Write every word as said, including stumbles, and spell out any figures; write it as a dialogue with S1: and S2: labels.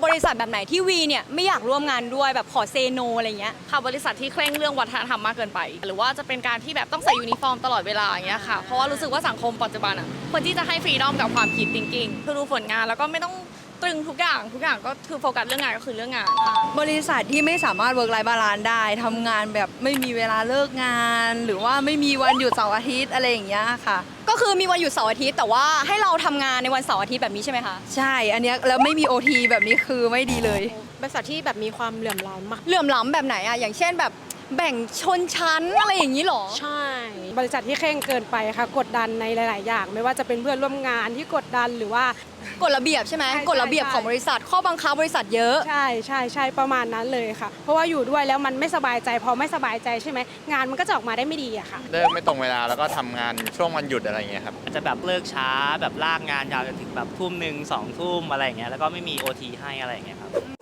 S1: บริษัทแบบไหนที่วีเนี่ยไม่อยากร่วมงานด้วยแบบขอเซโนอะไรเงี้ย
S2: ค่ะบริษัทที่เคร่งเรื่องวัฒนธรรมมากเกินไปหรือว่าจะเป็นการที่แบบต้องใส่ยูนิฟอร์มตลอดเวลาอย่างเงี้ยค่ะเพราะว่ารู้สึกว่าสังคมปัจจุบันอ่ะควรที่จะให้ฟรีดอมกับความคิด thinking คือดูผลงานแล้วก็ไม่ต้องตรึงทุกอย่างทุกอย่างก็คือโฟกัสเรื่องงานก็คือเรื่องงานค่ะ
S3: บริษัทที่ไม่สามารถเวิร์กไลฟ์บาลานซ์ได้ทำงานแบบไม่มีเวลาเลิกงาน หรือว่าไม่มีวันหยุดเสาร์อาทิตย์อะไรอย่างเงี้ยค่ะ
S1: ก็คือมีวันหยุดเสาร์อาทิตย์แต่ว่าให้เราทำงานในวันเสาร์อาทิตย์แบบนี้ใช่ไหมคะ
S3: ใช่อันเนี้ยแล้วไม่มี โอ ที แบบนี้คือไม่ดีเลย
S4: บริษัทที่แบบมีความเหลื่อมล้ำอะ
S1: เหลื่อมล้ำแบบไหนอะอย่างเช่นแบบแบ่งชนชั้นอะไรอย่างนี้หรอ
S4: ใช่บริษัทที่เคร่งเกินไปค่ะกดดันในหลาย ๆ อย่าง ไม่ว่าจะเป็นเพื่อนร่วมงานที่กดดันหรือว่าก
S1: ฎระเบียบใช่ไหม
S4: ใช่
S1: กฎระเบียบของบริษัทข้อบังคับบริษัทเยอะ
S4: ใช่ใช่ใช่ประมาณนั้นเลยค่ะ เพราะว่าอยู่ด้วยแล้วมันไม่สบายใจพอไม่สบายใจใช่ไหมงานมันก็จะออกมาได้ไม่ดีอะค่ะ
S5: เลิกไม่ตรงเวลาแล้วก็ทำงานช่วงวันหยุดอะไรอย่างเงี้ยครับ
S6: อาจจะแบบเลิกช้าแบบลากงานยาวจนถึงแบบทุ่มหนึ่งสองทุ่มอะไรอย่างเงี้ยแล้วก็ไม่มี โอ ที ให้อะไรอย่างเงี้ยครับ